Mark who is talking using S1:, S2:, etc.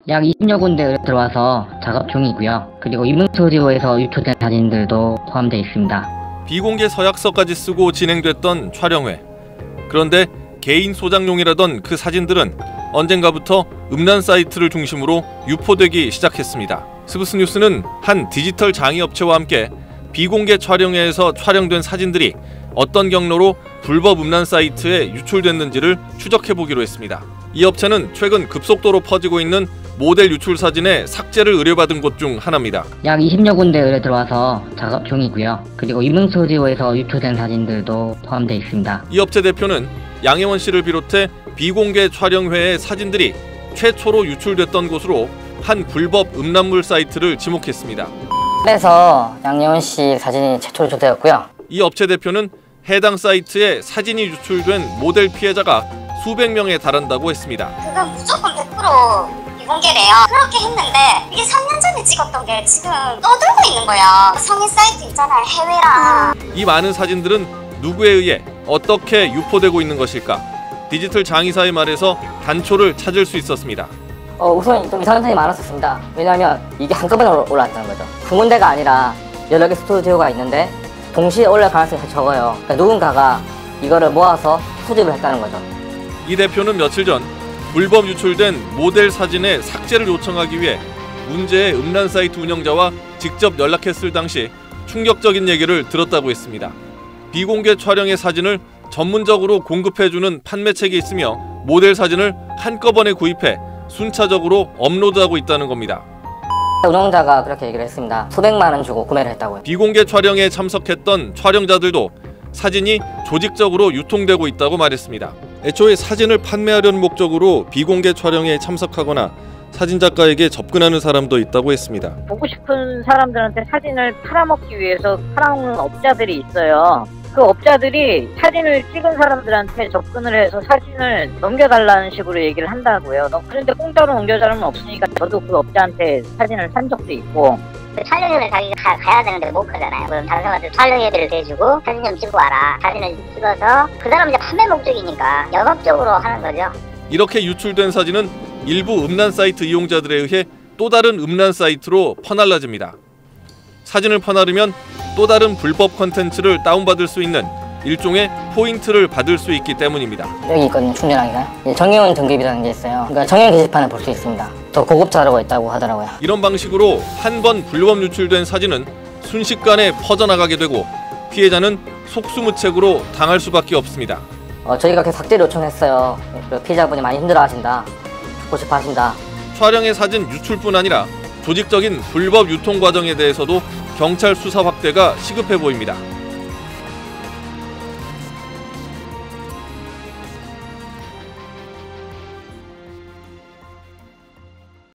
S1: 약 20여 군데 들어와서 작업 중이고요. 그리고 이문스튜디오에서 유출된 사진들도 포함되어 있습니다.
S2: 비공개 서약서까지 쓰고 진행됐던 촬영회. 그런데 개인 소장용이라던 그 사진들은 언젠가부터 음란 사이트를 중심으로 유포되기 시작했습니다. 스브스뉴스는 한 디지털 장의업체와 함께 비공개 촬영회에서 촬영된 사진들이 어떤 경로로 불법 음란 사이트에 유출됐는지를 추적해보기로 했습니다. 이 업체는 최근 급속도로 퍼지고 있는 모델 유출 사진의 삭제를 의뢰받은 곳 중 하나입니다.
S1: 약 20여 군데 들어와서 작업 중이고요. 그리고 이문스튜디오에서 유출된 사진들도 포함되어 있습니다.
S2: 이 업체 대표는 양혜원 씨를 비롯해 비공개 촬영회의 사진들이 최초로 유출됐던 곳으로 한 불법 음란물 사이트를 지목했습니다.
S1: 그래서 양혜원 씨 사진이 최초로 유출되었고요.
S2: 이 업체 대표는 해당 사이트에 사진이 유출된 모델 피해자가 수백 명에 달한다고 했습니다.
S3: 그건 무조건 100% 비공개래요. 그렇게 했는데 이게 3년 전에 찍었던 게 지금 떠들고 있는 거야. 성인 사이트 있잖아요, 해외랑.
S2: 이 많은 사진들은 누구에 의해 어떻게 유포되고 있는 것일까? 디지털 장의사의 말에서 단초를 찾을 수 있었습니다.
S1: 우선 좀 이상한 사람이 많았었습니다. 왜냐하면 이게 한꺼번에 올라왔다는 거죠. 두 군데가 아니라 여러 개 스튜디오가 있는데 동시에 올라갈 가능성이 적어요. 그러니까 누군가가 이거를 모아서 수집을 했다는 거죠.
S2: 이 대표는 며칠 전 불법 유출된 모델 사진의 삭제를 요청하기 위해 문제의 음란 사이트 운영자와 직접 연락했을 당시 충격적인 얘기를 들었다고 했습니다. 비공개 촬영의 사진을 전문적으로 공급해주는 판매책이 있으며 모델 사진을 한꺼번에 구입해 순차적으로 업로드하고 있다는 겁니다.
S1: 운영자가 그렇게 얘기를 했습니다. 수백만 원 주고 구매를 했다고요.
S2: 비공개 촬영에 참석했던 촬영자들도 사진이 조직적으로 유통되고 있다고 말했습니다. 애초에 사진을 판매하려는 목적으로 비공개 촬영에 참석하거나 사진작가에게 접근하는 사람도 있다고 했습니다.
S4: 보고 싶은 사람들한테 사진을 팔아먹기 위해서 팔아먹는 업자들이 있어요. 그 업자들이 사진을 찍은 사람들한테 접근을 해서 사진을 넘겨달라는 식으로 얘기를 한다고요. 그런데 공짜로 넘겨달라는 건 없으니까 저도 그 업자한테 사진을 산 적도 있고.
S3: 촬영회를 자기가 가야 되는데 못 가잖아요. 그럼 다른 사람한테 촬영회비를 대주고 사진 좀 찍고 와라. 사진을 찍어서 그 사람 이제 판매 목적이니까 영업적으로 하는 거죠.
S2: 이렇게 유출된 사진은 일부 음란 사이트 이용자들에 의해 또 다른 음란 사이트로 퍼날라집니다. 사진을 퍼나르면 또 다른 불법 콘텐츠를 다운받을 수 있는 일종의 포인트를 받을 수 있기 때문입니다.
S1: 여기 있거든요, 충전하기가. 정혜원 등급이라는 게 있어요. 그러니까 정혜원 게시판을 볼 수 있습니다. 더 고급자라고 있다고 하더라고요.
S2: 이런 방식으로 한 번 불법 유출된 사진은 순식간에 퍼져나가게 되고 피해자는 속수무책으로 당할 수밖에 없습니다.
S1: 저희가 계속 삭제를 요청했어요. 피해자분이 많이 힘들어하신다, 죽고 싶어 하신다.
S2: 촬영의 사진 유출뿐 아니라 조직적인 불법 유통 과정에 대해서도 경찰 수사 확대가 시급해 보입니다.